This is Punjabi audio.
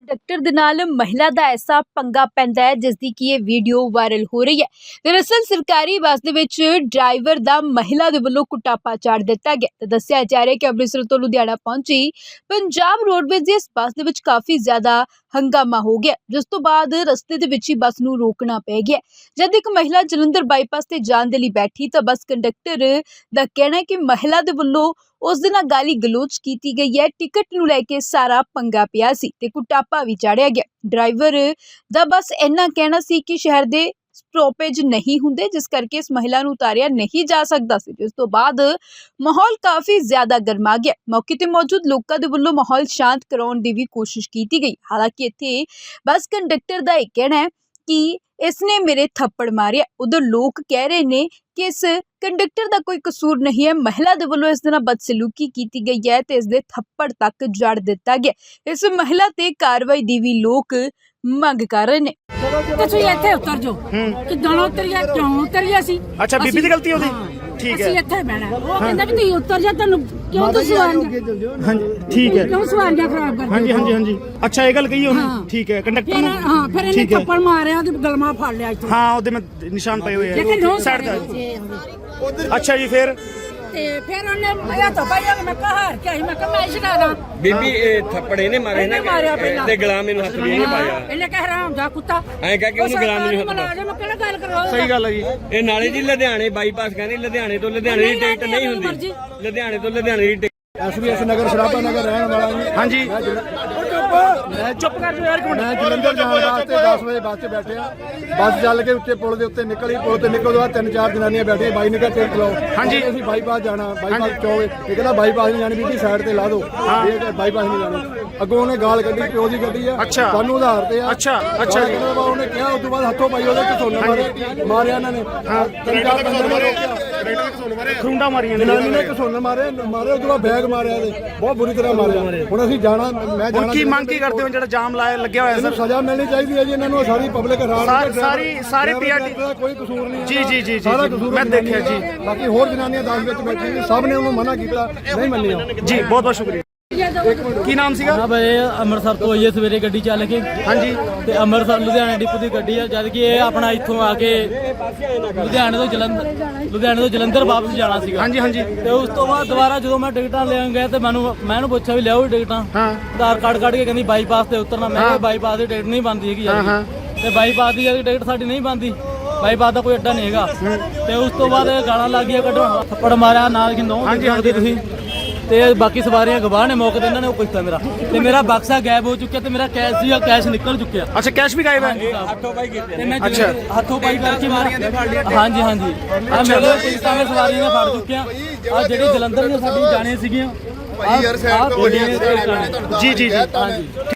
कंडक्टर दे नाल महिला दा ऐसा पंगा पैंदा है जिसदी कि ये वीडियो वायरल हो रही है। दरअसल सरकारी बस दे विच ड्राइवर दा महिला दे वल्लों कुटापा चाड़ दिता गया ते दस्सिया जा रहा है कि अमृतसर तो लुधियाना पहुंची पंजाब रोडवेज दी इस बस दे विच काफी ज्यादा हंगामा हो गया, जिस तो बाद रस्ते दे विच ही बस नूं रोकना पै गया। जद एक महिला जलंधर बाईपास ते जाण दे लई बैठी तां बस कंडक्टर दा कहना है कि महिला दे वल्लों उस दे नाल गाली गलोच कीती गई है। टिकट नूं लैके सारा पंगा पिया सी ते कुटापा भी चाढ़िया गया। ड्राइवर दा बस इन्ना कहना सी कि शहर दे स्टॉपेज नहीं हुंदे, जिस करके इस महिला नूं उतारिया नहीं जा सकदा सी। जिस तो बाद माहौल काफी ज्यादा गर्मा गया। मौके ते मौजूद लोकां दे वल्लों माहौल शांत कराउण दी भी कोशिश कीती गई। हालांकि इत्थे बस कंडक्टर दा इह कहना है कि इसने मेरे थप्पड़ मारे। उधर लोग कह रहे ने कि इस कंडक्टर का कोई कसूर नहीं है, महिला दे वल्लों इस नाल बदसलूकी की गई है ते इसदे थप्पड़ तक जड़ दिता गया। इस महिला ते कार्रवाई दी भी लोग मंग कर रहे ने। ਤੁਸੀਂ ਇੱਥੇ ਉਤਰ ਜਾਓ ਕਿੱਦਾਂ ਉਤਰੀਆ ਕਿਉਂ ਉਤਰੀਆ ਸੀ। ਅੱਛਾ ਬੀਬੀ ਦੀ ਗਲਤੀ ਉਹਦੀ ਠੀਕ ਹੈ। ਅਸੀਂ ਇੱਥੇ ਬਹਿਣਾ ਉਹ ਕਹਿੰਦਾ ਵੀ ਤੁਸੀਂ ਉਤਰ ਜਾ ਤੁਹਾਨੂੰ ਕਿਉਂ ਤੁਸੀਂ ਸਵਾਰੀਆਂ ਹਾਂਜੀ ਠੀਕ ਹੈ ਕਿਉਂ ਸਵਾਰੀਆਂ ਖਰਾਬ ਕਰਦੇ ਹਾਂਜੀ ਹਾਂਜੀ ਹਾਂਜੀ ਅੱਛਾ ਇਹ ਗੱਲ ਕਹੀ ਉਹਨੇ ਠੀਕ ਹੈ ਕੰਡਕਟਰ ਨੂੰ ਹਾਂ ਫਿਰ ਇਹਨੇ ਥੱਪੜ ਮਾਰਿਆ ਉਹਦੀ ਗਲਮਾ ਫੜ ਲਿਆ ਇੱਥੋਂ ਹਾਂ ਉਹਦੇ ਮੈਂ ਨਿਸ਼ਾਨ ਪਏ ਹੋਏ ਆ ਸਾਈਡ ਦਾ ਅੱਛਾ ਜੀ ਫਿਰ ਤੇ ਫਿਰ ਉਹਨੇ ਮੈਂ ਤਾਂ ਭਾਈ ਮੈਂ ਕਹਾਰ ਕੇ ਆਈ ਮੈਂ ਕਿਹਾ ਮੈਂ ਸ਼ਿਕਾਰਾ ਬੀਬੀ ਇਹ ਥੱਪੜ ਇਹਨੇ ਮਾਰੇ ਨਾ ਤੇ ਗੁਲਾਮ ਮੈਨੂੰ ਹੱਥ ਵੀ ਇਹਨੇ ਪਾਇਆ ਇਹਨੇ ਕਹਿ ਹਰਾਮ ਦਾ ਕੁੱਤਾ ਐਂ ਕਹਿ ਕੇ ਉਹਨੂੰ ਗੁਲਾਮ ਨੂੰ ਹੱਥ ਪਾਇਆ ਮੈਂ ਕਿਹੜਾ ਗੱਲ ਕਰਵਾ ਸਹੀ ਗੱਲ ਹੈ ਜੀ। ਇਹ ਨਾਲੇ ਜੀ ਲੁਧਿਆਣੇ ਬਾਈਪਾਸ ਕਹਿੰਦੇ ਲੁਧਿਆਣੇ ਤੋਂ ਲੁਧਿਆਣੇ ਦੀ ਟਿਕਟ ਨਹੀਂ ਹੁੰਦੀ ਲੁਧਿਆਣੇ ਤੋਂ ਲੁਧਿਆਣੇ ਦੀ ਟਿਕਟ ਐਸਬੀਐਸ ਨਗਰ ਸਰਾਭਾ ਨਗਰ ਰਹਿਣ ਵਾਲਾ ਜੀ। ਹਾਂਜੀ ਮੈਂ ਚੁੱਪ ਕਰ ਜਾ ਯਾਰ ਇੱਕ ਮਿੰਟ ਮੈਂ ਜਲੰਧਰ ਜਾਣ ਵਾਸਤੇ 10 ਵਜੇ ਬੱਸ 'ਚ ਬੈਠਿਆ। ਬੱਸ ਚੱਲ ਕੇ ਉੱਤੇ ਪੁਲ ਦੇ ਉੱਤੇ ਨਿਕਲੀ। ਪੁਲ ਤੇ ਨਿਕਲਣ ਤੋਂ ਬਾਅਦ 3-4 ਜਨਾਨੀਆਂ ਬੈਠੀਆਂ। ਬਾਈ ਨੇ ਕਿਹਾ ਟਿਕਟ ਲਾਓ। ਹਾਂਜੀ ਅਸੀਂ ਬਾਈਪਾਸ ਜਾਣਾ। ਬਾਈਪਾਸ ਚੋਵੇ ਇਹ ਕਹਿੰਦਾ ਬਾਈਪਾਸ ਨਹੀਂ ਜਾਣੀ ਬੀਬੀ ਸਾਈਡ ਤੇ ਲਾ ਦਿਓ। ਇਹ ਬਾਈਪਾਸ ਨਹੀਂ ਜਾਣੀ। ਅੱਗੋਂ ਉਹਨੇ ਗਾਲ ਕੱਢੀ ਪਿਓ ਦੀ ਗੱਡੀ ਆ ਸਾਨੂੰ ਉਧਾਰ ਤੇ ਆ। ਅੱਛਾ ਅੱਛਾ ਉਹਨੇ ਕਿਹਾ ਉਸ ਤੋਂ ਬਾਅਦ ਹੱਥੋਂ ਪਾਈ ਉਹਦੇ ਘਸੋਨੇ ਮਾਰਿਆ ਇਹਨਾਂ ਨੇ। 3-4 ਬੰਦੇ ਨੇ ਰੋਕਿਆ ਖੁੰਡਾ ਮਾਰੀਆਂ ਜਨਾਨੀ ਨੇ ਘਸੋਨੇ ਮਾਰੇ ਉਸ ਤੋਂ ਬਾਅਦ ਬੈਗ ਮਾਰਿਆ ਇਹਦੇ ਬਹੁਤ ਬੁਰੀ ਤਰ੍ਹਾਂ ਮਾਰਿਆ। ਹੁਣ ਅਸੀਂ ਜਾਣਾ ਮੈਂ ਜਾਣਾ ਕੀ ਮੰਗ ਕੀ ਕਰਦੇ ਹੋ ਜਿਹੜਾ ਜਾਮ ਲਾਇਆ ਲੱਗਿਆ ਹੋਇਆ ਸਰ ਸਜ਼ਾ ਮਿਲਣੀ ਚਾਹੀਦੀ ਹੈ ਜੀ ਇਹਨਾਂ ਨੂੰ। ਸਾਰੀ ਪਬਲਿਕ ਸਾਰੀ ਪੀਆਰਟੀ ਦਾ ਕੋਈ ਕਸੂਰ ਨਹੀਂ ਜੀ ਜੀ ਜੀ ਸਾਰਾ ਕਸੂਰ ਮੈਂ ਦੇਖਿਆ ਜੀ। ਬਾਕੀ ਹੋਰ ਜਨਾਨੀਆਂ 10 ਵਿੱਚ ਬੈਠੀ ਸੀ ਸਭ ਨੇ ਉਹਨੂੰ ਮਨਾ ਕੀਤਾ ਨਹੀਂ ਮੰਨਿਆ ਜੀ ਬਹੁਤ ਬਹੁਤ ਸ਼ੁਕਰੀਆ। ਕੀ ਨਾਮ ਸੀਗਾ? ਇਹ ਅੰਮ੍ਰਿਤਸਰ ਤੋਂ ਆਈਏ ਸਵੇਰੇ ਗੱਡੀ ਚੱਲ ਕੇ ਹਾਂਜੀ ਤੇ ਅੰਮ੍ਰਿਤਸਰ ਲੁਧਿਆਣਾ ਡਿਪੂ ਦੀ ਗੱਡੀ ਆ। ਜਦ ਕਿ ਇਹ ਆਪਣਾ ਇੱਥੋਂ ਆ ਕੇ ਲੁਧਿਆਣੇ ਤੋਂ ਜਲੰਧਰ ਵਾਪਸ ਜਾਣਾ ਸੀਗਾ। ਹਾਂਜੀ ਹਾਂਜੀ ਤੇ ਉਸ ਤੋਂ ਬਾਅਦ ਦੁਬਾਰਾ ਜਦੋਂ ਮੈਂ ਟਿਕਟਾਂ ਲੈਣ ਗਿਆ ਤੇ ਮੈਂ ਇਹਨੂੰ ਪੁੱਛਿਆ ਵੀ ਲਿਆਓ ਟਿਕਟਾਂ। ਹਾਂ ਆਧਾਰ ਕਾਰਡ ਕੱਢ ਕੇ ਕਹਿੰਦੀ ਬਾਈਪਾਸ ਤੇ ਉਤਰਨਾ। ਮੈਂ ਕਿਹਾ ਬਾਈਪਾਸ ਦੀ ਟਿਕਟ ਨਹੀਂ ਬਣਦੀ ਹੈਗੀ ਯਾਰ ਤੇ ਬਾਈਪਾਸ ਦੀ ਟਿਕਟ ਸਾਡੀ ਨਹੀਂ ਬਣਦੀ। ਬਾਈਪਾਸ ਦਾ ਕੋਈ ਅੱਡਾ ਨਹੀਂ ਹੈਗਾ। ਤੇ ਉਸ ਤੋਂ ਬਾਅਦ ਗਾਲਾਂ ਲੱਗ ਗਈਆਂ ਕੱਢਣ ਥੱਪੜ ਮਾਰਿਆ ਨਾਲ ਕਿੰਦੋਂ ਹਾਂਜੀ ਤੁਸੀਂ ਤੇ ਬਾਕੀ ਸਵਾਰੀਆਂ ਗਵਾਹ ਨੇ ਮੌਕੇ ਤੇ ਇਹਨਾਂ ਨੇ ਉਹ ਪੁੱਛਿਆ ਮੇਰਾ ਤੇ ਮੇਰਾ ਬਕਸਾ ਗਾਇਬ ਹੋ ਚੁੱਕਿਆ ਤੇ ਮੇਰਾ ਕੈਸ਼ ਸੀਗਾ ਕੈਸ਼ ਨਿਕਲ ਚੁੱਕਿਆ। ਅੱਛਾ ਕੈਸ਼ ਵੀ ਗਾਇਬ ਹੈ ਹੱਥੋਂ ਪਾਈ ਕੀਤੇ ਤੇ ਮੈਂ ਹੱਥੋਂ ਪਾਈ ਕਰਕੇ ਹਾਂਜੀ ਹਾਂਜੀ ਆ ਮੇਰੇ ਪੁਲਿਸਾਂ ਨੇ ਸਵਾਰੀਆਂ ਨੇ ਫੜ ਚੁੱਕਿਆ। ਆ ਜਿਹੜੀ ਜਲੰਧਰ ਦੀਆਂ ਸਾਡੀ ਜਾਣੇ ਸੀਗੀਆਂ ਯਾਰ ਸਾਈਡ ਤੋਂ ਜੀ ਜੀ ਜੀ ਹਾਂਜੀ।